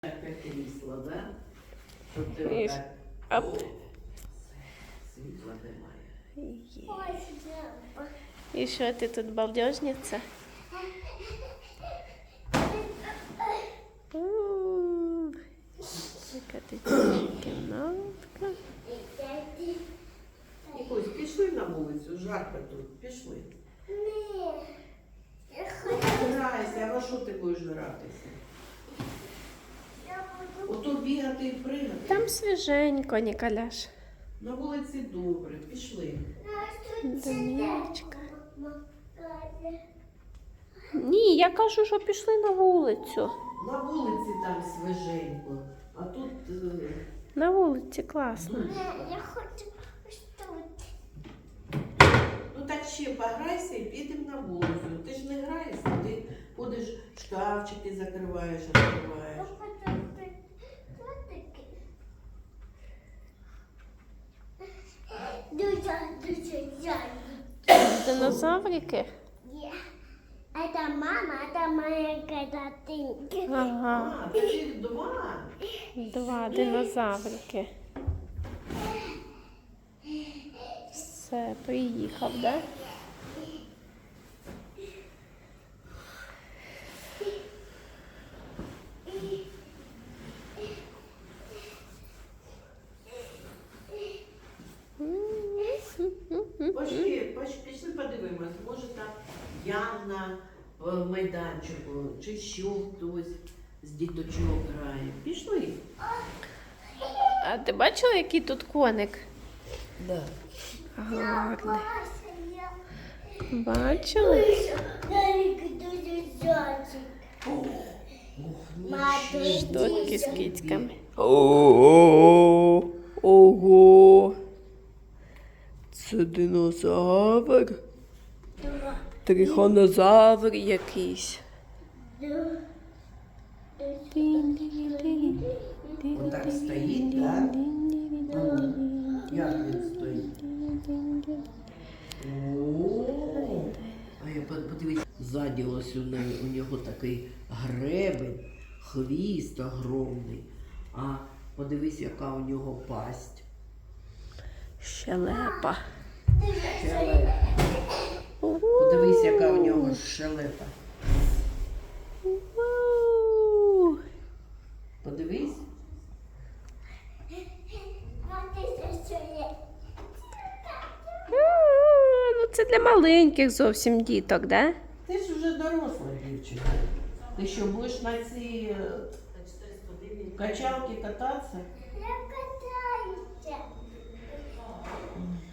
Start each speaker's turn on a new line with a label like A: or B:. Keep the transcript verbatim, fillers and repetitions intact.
A: Таке крісло, да? Щоб ти
B: І
A: отак...
B: оп.
A: О, все, світла немає.
B: Є. І що ти тут балдежниця? У, яка ти кімнатка.
A: Нікусь, пішли на вулицю, жарко тут, пішли.
C: Ні.
A: Грайся, а що ти будеш гратися?
C: Я буду.
A: Ото бігати і пригати.
B: Там свіженько, Ніколяш.
A: На вулиці добре, пішли.
B: Доміночка. Ні, я кажу, що пішли на вулицю.
A: На вулиці там свіженько, а тут... е,
B: На вулиці класно.
A: дуже.
C: Я хочу ось тут.
A: Ну так ще пограйся і підемо на вулицю. Ти ж не граєшся, ти ходиш, шкафчики закриваєш,
C: Я
A: відкриваєш.
C: хочу тут. Тут таки. Дуже, дуже жарко.
B: Динозаврики?
C: Є. Это мама, это моя картинка.
B: Ага,
A: А, таких два.
B: два динозаврики. Все, приїхав, да?
A: Пошли, пош- пішли подивимось, може там Яна в майданчику, чи що хтось з діточок грає. Пішли.
B: А ти бачила, який тут коник?
A: Да.
B: Гарний.
C: Я
B: Бачили?
C: Дарик дуже зайчик. Мати,
B: Штуки з кицьками. Ого! Ого! Це динозавр? Трихонозавр якийсь.
A: Отак стоїть, так? Як він стоїть? О, а я под- подивись, ззаді ось у неї- у нього такий гребень, хвіст огромний. А подивись, яка у нього пасть.
B: Щелепа.
A: Щелепа. Подивись, яка у нього щелепа.
B: Вау!
A: Подивись.
C: Мати, що є?
B: А, ну це для маленьких зовсім діток, да?
A: Ти ж вже доросла дівчинка. Ти що, будеш на цій е, качалці кататися?
C: Я